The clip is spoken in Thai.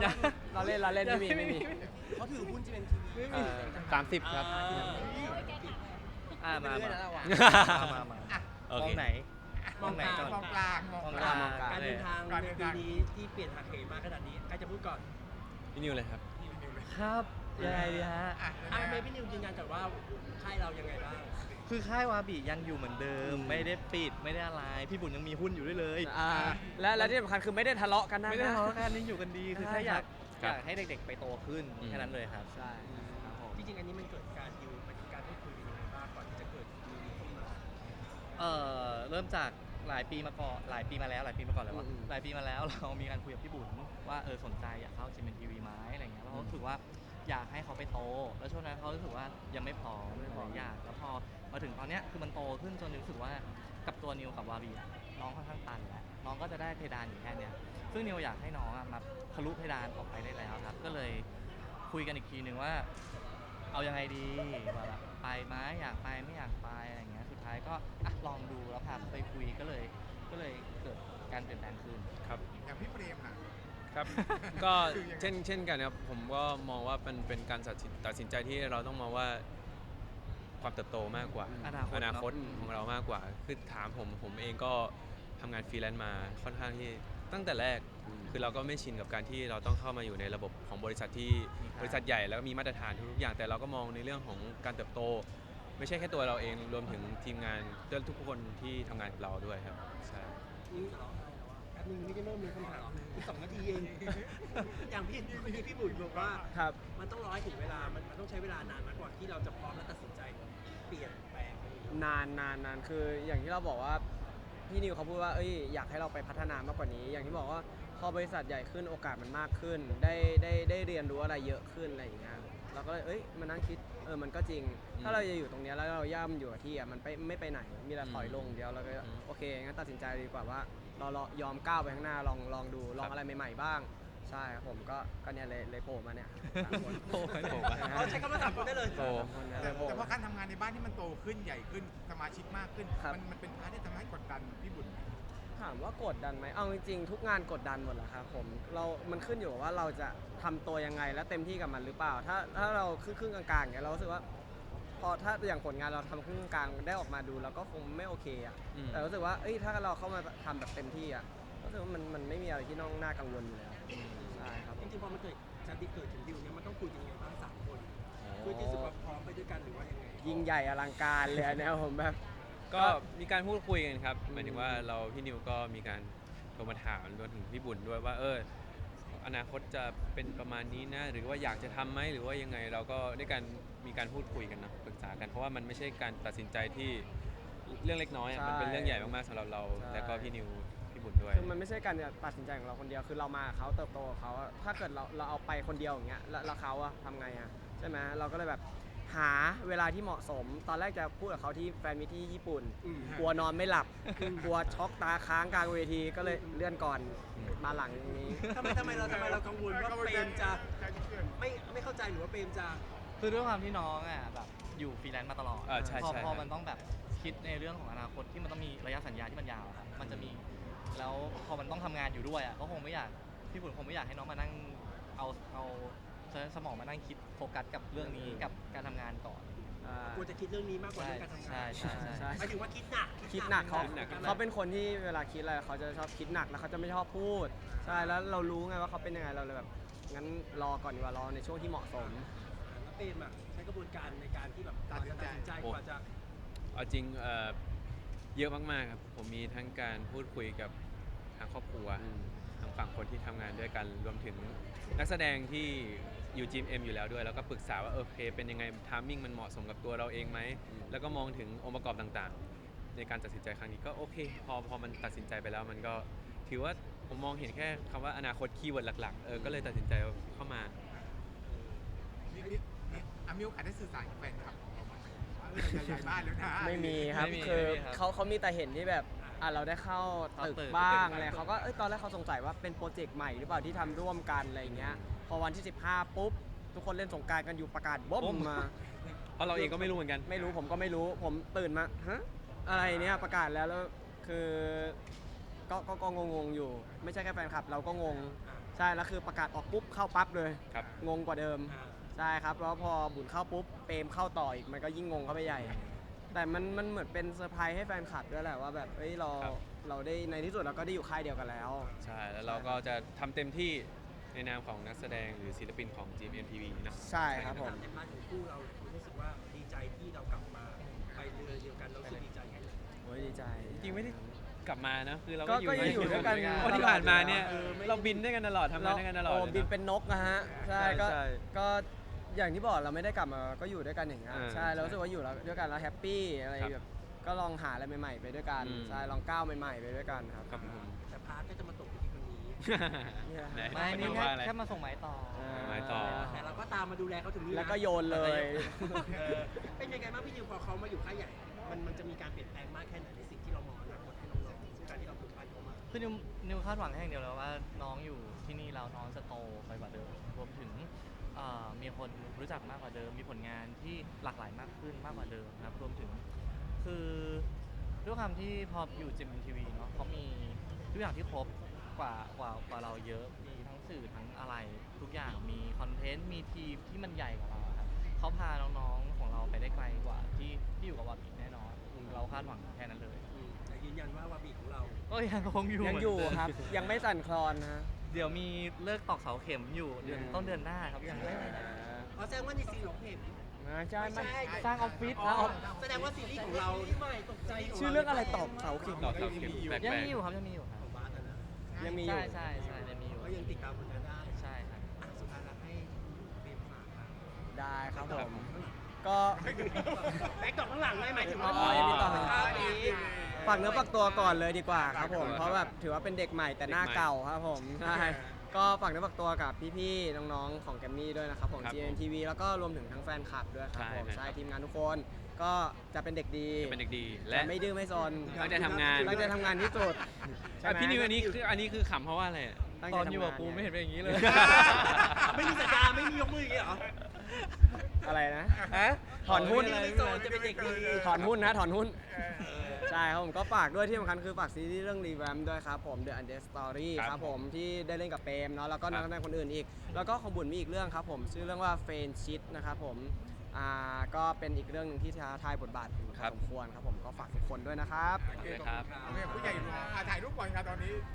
เราเล่นไม่มีเขาถือหุ้น GMTV 30 ครับมาโอเคมองไหนก่อนมองกลางมองกลางการเดินทางการในเดินปีทางนี้ที่เปลี่ยนหักเหมาขนาดนี้ใครจะพูดก่อนพี่นิวเลยครับครับยังไงดีฮะเมย์พี่นิวยืนยันก่อนว่าค่ายเรายังไงบ้างคือค่ายวาบิยังอยู่เหมือนเดิม ไม่ได้ปิดไม่ได้อะไรพี่บุญยังมีหุ้นอยู่ด้วยเลยและที่สำคัญคือไม่ได้ทะเลาะกันนะไม่ได้ทะเลาะกันยังอยู่กันดีคือแค่อยากครับให้เด็กๆไปโตขึ้นอืมแค่นั้นเลยครับใช่ครับผมจริงๆอันนี้มันเกิดการดิวมันมีการพูดคุยกันยังไงบ้างก่อนที่จะเกิดมีขึ้นมาเริ่มจากหลายปีมาก่อนหลายปีมาแล้วเลยวะหลายปีมาแล้ว เรามีการคุยกับพี่บุญว่าสนใจอยากเข้า GMMTV ไหมอะไรเงี้ยแล้วเขารู้สึกว่าอยากให้เขาไปโต แล้วช่วงนั้นเขารู้สึกว่ายังไม่พร้อมอยากแล้วพอมาถึงตอนเนี้ยคือมันโตขึ้นจนรู้สึกว่ากับตัวนิวกับวาบีอะน้องค่อนข้างตันแล้วน้องก็จะได้เพดานอยู่แค่เนี้ยซึ่งนิวอยากให้น้องอะมาทะลุเพดานออกไปได้แล้วครับก็เลยคุยกันอีกทีนึงว่าเอายังไงดีว่าแบบไปไหมอยากไปไม่อยากไปอะไรเงี้ยสุดท้ายก็ลองดูแล้วพาไปคุยก็เลยเกิดการเปลี่ยนแปลงขึ้นครับอย่างพี่เปรมน่ะครับ ก็เช่นกันครับผมก็มองว่าเป็นการตัดสินใจที่เราต้องมองว่าความเติบโตมากกว่าอนาคตอนาคตเนอะของเรามากกว่าคือถามผมเองก็ทำงานฟรีแลนซ์มาค่อนข้างที่ตั้งแต่แรกคือเราก็ไม่ชินกับการที่เราต้องเข้ามาอยู่ในระบบของบริษัทที่บริษัทใหญ่แล้วก็มีมาตรฐานทุกๆอย่างแต่เราก็มองในเรื่องของการเติบโต ไม่ใช่แค่ตัวเราเองรวมถึงทีมงานทุกคนที่ทำงานกับเราด้วยครับใช่นี่จะร้องไห้แล้วอ่ะแป๊บนึงไม่ได้เริ่มเลยคำถามอีก2 นาทีเอง อย่างพี่บุ๋ยบอกว่าครับมันต้องรอให้ถึงเวลา มันต้องใช้เวลานานมากกว่าที่เราจะพร้อมและตัดสินใจเปลี่ยนแปลงนานคืออย่างที่เราบอกว่าพี่นิวเขาพูดว่าอยากให้เราไปพัฒนามากกว่านี้ อย่างที่บอกว่าพอบริษัทใหญ่ขึ้นโอกาสมันมากขึ้นได้เรียนรู้อะไรเยอะขึ้นอะไรอย่างเงี้ยเราก็เลยมานั่งคิดมันก็จริง ถ้าเราจะอยู่ตรงเนี้ยแล้วเราย่ำอยู่กับที่มันไม่ไปไหนมีแต่ถอยลงเดียวเราก็โอเคงั้นตัดสินใจดีกว่าว่าเรายอมก้าวไปข้างหน้าลองดูลองอะไรใหม่ๆบ้างใช่ครับผมก็เนี่ยเลยโผล่มาเนี่ยสามคนโผล่มาเขาใช้คำว่า3 คนได้เลยโตสามคนเนี่ยแต่เลยโผล่เพราะการทำงานในบ้านที่มันโตขึ้นใหญ่ขึ้นสมาชิกมากขึ้นครับมันเป็นพาร์ทที่ทำให้กดดันพี่บุญไหมถามว่ากดดันไหมเอาจริงๆทุกงานกดดันหมดแหละครับผมมันขึ้นอยู่กับว่าเราจะทำตัวยังไงและเต็มที่กับมันหรือเปล่า ถ้าเราครึ่งกลางๆอย่างเงี้ยเรารู้สึกว่าพอถ้าอย่างผลงานเราทำครึ่งกลางได้ออกมาดูเราก็คงไม่โอเคอ่ะอืมแต่รู้สึกว่าถ้าเราเข้ามาทำแบบเต็มที่อ่ะรู้สึกว่ามันไม่มีอะไรที่น่ากังวลอยู่แล้วใช่ครับจริงๆพอมันเกิดการที่เกิดถึงดิวเนี่ยมันต้องคุยกันยังไงบ้าง3 คนเพื่อที่จะพร้อมไปด้วยกันหรือว่ายังไงยิ่งใหญ่อลังการเลยอันเนี่ยผมแบบก็มีการพูดคุยกันครับหมายถึงว่าพี่นิวก็มีการโทรมาถามรวมถึงพี่บุญด้วยว่าอนาคตจะเป็นประมาณนี้นะหรือว่าอยากจะทำไหมหรือว่ายังไงเราก็ได้การมีการพูดคุยกันนะปรึกษากันเพราะว่ามันไม่ใช่การตัดสินใจที่เรื่องเล็กน้อยอะใช่มันเป็นเรื่องใหญ่มากๆสำหรับเราใช่และก็พี่นิวพี่บุญด้วยคือมันไม่ใช่การตัดสินใจของเราคนเดียวคือเรามากับเขาเติบโตกับเขาอะถ้าเกิดเราเอาไปคนเดียวอย่างเงี้ยแล้วเขาอะทำไงอะใช่ไหมเราก็เลยแบบหาเวลาที่เหมาะสม ตอนแรกจะพูดกับเขาที่แฟนมิตที่ญี่ปุ่น กลัวนอนไม่หลับ กลัวช็อกตาค้างกลางเวทีก็เลยเลื่อนก่อนมาหลังนี้ทำไมเรากังวลว่าเปรมจะไม่เข้าใจหรือว่าเปรมจะคือด้วยความที่น้องแบบอยู่ฟรีแลนซ์มาตลอดใช่พอใช่พอมันต้องแบบคิดในเรื่องของอนาคตที่มันต้องมีระยะสัญญาที่มันยาวครับมันจะมีแล้วพอมันต้องทำงานอยู่ด้วยก็คงไม่อยากพี่บุญคงไม่อยากให้น้องมานั่งเอาสมองมานั่งคิดโฟกัสกับเรื่องนี้กับการทำงานก่อนกลัวจะคิดเรื่องนี้มากกว่าเรื่องการทำงานใช่หมายถึงว่าคิดหนักคิดหนักเขาคิดหนักเขาเป็นคนที่เวลาคิดอะไรเขาจะชอบคิดหนักแล้วเขาจะไม่ชอบพูดใช่แล้วเรารู้ไงว่าเขาเป็นยังไงเราเลยแบบงั้นรอก่อนดีกว่ารอในช่วงที่เหมาะสมแล้วเปรมอ่ะใช้กระบวนการในการที่แบบตัดสินใจกว่าจะเอาจริงเยอะมากๆครับผมมีทั้งการพูดคุยกับทางครอบครัวทางฝั่งคนที่ทำงานด้วยกันรวมถึงนักแสดงที่อยู่ GMM อยู่แล้วด้วยแล้วก็ปรึกษาว่าโอเคเป็นยังไงทามมิ่งมันเหมาะสมกับตัวเราเองไหมแล้วก็มองถึงองค์ประกอบต่างๆ ในการตัดสินใจครั้งนี้ก็โอเคพอมันตัดสินใจไปแล้วมันก็ถือว่าผมมองเห็นแค่คำว่าอนาคตคีย์เวิร์ดหลักๆก็เลยตัดสินใจเข้ามานี่มีโอกาสได้สื่อสารกับแฟนคลับของเราบ้างไหมว่าเราจะย้ายบ้านแล้วนะไม่มีครับไม่มีคือไม่มีครับเขามีแต่เห็นที่แบบเราได้เข้าตึกเข้าตึกบ้างตึกอะไรเขาก็ตอนแรกเขาสงสัยว่าเป็นโปรเจกต์ใหม่หรือเปล่าที่ทำร่วมกันอะไรอย่างเงี้ยพอวันที่ 15 ปุ๊บ ทุกคนเล่นสงกรารกันอยู่ประกาศบ๊อบมาเพราะเราเองก็ไม่รู้เหมือนกันไม่รู้ผมก็ไม่รู้ผมตื่นมาฮะอะไรเนี่ยประกาศแล้วคือก็งงๆอยู่ ไม่ใช่แค่แฟนคลับเราก็งงใช่ช่แล้วคือประกาศออกปุ๊บเข้าปั๊บเลยครับงงกว่าเดิมอ่าใช่ครับแล้วพอบุญเข้าปุ๊บเปรมเข้าต่ออีกมันก็ยิ่งงงเข้าไปใหญ่ แต่มันเหมือนเป็นเซอร์ไพรส์ให้แฟนคลับด้วยแหละว่าแบบเอ้ยเราได้ในที่สุดเราก็ได้อยู่ค่ายเดียวกันแล้วใช่แล้วเราก็จะทำเต็มที่ในนามของนักแสดงหรือศิลปินของ GMMTV นะใช่ครับผมในพาร์ทของคู่เรารู้สึกว่าดีใจที่เรากลับมาไปเรือเดียวกันเรารู้สึกดีใจแค่ไหนโอ้ยดีใจจริงไม่ได้กลับมานะคือเราก็ยังอยู่ด้วยกันเพราะที่ผ่านมาเนี่ยเออไม่เราบินด้วยกันตลอดทำงานด้วยกันตลอดโอ้เลยบินนะเป็นนกนะฮะใช่ใช่ก็ใช่ก็อย่างที่บอกเราไม่ได้กลับมาก็อยู่ด้วยกันอย่างเงี้ยอ่าใช่เราใช่รู้สึกว่าอยู่แล้วด้วยกันแล้วแฮปปี้อะไรครับแบบก็ลองหาอะไรใหม่ๆไปด้วยกันอืมใช่ลองก้าวใหม่ๆไปด้วยกันครับครับผมแต่พาร์ทก็จะมาตกอยู่ที่คนนี้ไหนไม่นี่ว่าอะไรแค่มาส่งไม้ต่อไม้ต่อแต่เราก็ตามมาดูแลเขาถึงนี่นะแล้วก็โยนเลยเป็นยังไงบ้างพี่นิวพอเขามาอยู่ค่ายใหญ่ มันจะมีการเปลี่ยนแปลงมากแค่ไหนในสิ่งที่เรามองอนาคตให้น้องๆการที่เราผูกพันเขามาคือนิวคาดหวังแค่อย่างเดียวเลยว่าน้องอยู่ที่นี่แล้วน้องจะโตไปกว่าเดิมรวมถึงมีคนรู้จักมากกว่าเดิม มีผลงานที่หลากหลายมากขึ้นมากกว่าเดิมนะครับรวมถึงคือด้วยความที่พออยู่จิมทีวีเนาะเขามีทุกอย่างที่ครบกว่าเราเยอะมีทั้งสื่อทั้งอะไรทุกอย่างมีคอนเทนต์มีทีมที่มันใหญ่กว่าเราครับเขาพาน้องๆของเราไปได้ไกลกว่าที่อยู่กับวาบิแน่นอนเราคาดหวังแค่นั้นเลยแต่ยืนยันว่าวาบีของเราก็ยังคงอยู่ยังอยู่ครับ ยังไม่สั่นคลอนนะเดี๋ยวมีเลิกตอกเสาเข็มอยู่เดือนต้นเดือนหน้าครับยังไม่แสดงว่าในซีรีส์เราเห็นใช่มันสร้างออฟฟิศแสดงว่าซีรีส์ของเราใหม่ตกใจชื่อเรื่องอะไรตอกเสาเข็มดอกเสาเข็มแปลกยังๆมีอยู่ครับยังมีอยู่ครับของบาสนะยังมีอยู่ใช่ยังมีอยู่ก็ยังติดตามผลงานได้ใช่ครับสุดท้ายแล้วให้เป็นฝากครับได้ครับผครับมก็แบ็คดอกข้างหลังได้ไหมายถึงอ๋ว่าอยังมีต่อภาพนี้ฝากเนื้อฝากตัวก่อนเลยดีกว่าครับผมเพราะแบบถือว่าเป็นเด็กใหม่แต่หน้าเก่าครับผมใช่ก็ฝากเนื้อฝากตัวกับพี่ๆน้องๆของแกมมี่ด้วยนะครับผมครับผม GMTV แล้วก็รวมถึงทั้งแฟนคลับด้วยครับผมใช่ครับใช่ทีมงานทุกคนก็จะเป็นเด็กดีเป็นเด็กดีและและไม่ดื้อไม่ซนตั้งใจทำงานตั้งใจทำงานที่สุดใช่ไหมพี่นิวอันนี้คือขำเพราะว่าอะไรอะตั้งตใจอนอยู่ทำงากับกูไม่เห็นเป็นอย่างนี้เลยไม่มีสัญญาไม่มียกมืออย่างเงี้ยเหรออะไรนะถอนหุ้นไม่โซนจะเป็นเด็กดีถอนหุ้นนะถอนหุ้น ใช่ครับผมก็ฝากด้วยที่สำคัญคือฝากซีรีส์เรื่องรีแวมด้วยครับผม The Undead Story ครับครับผมที่ได้เล่นกับเปรมเนาะแล้วก็นักครับแสดงคนอื่นอีก แล้วก็ของบุญมีอีกเรื่องครับผมชื่อเรื่องว่าเฟนชิดนะครับผมก็เป็นอีกเรื่องหนึงที่ท้าทายบทบาทอยู่พอสมควรครับผมก็ฝากทุกคนด้วยนะครับเลยครับโอเคผู้ใหญ่ถ่ายรูปก่อนครับตอนนี้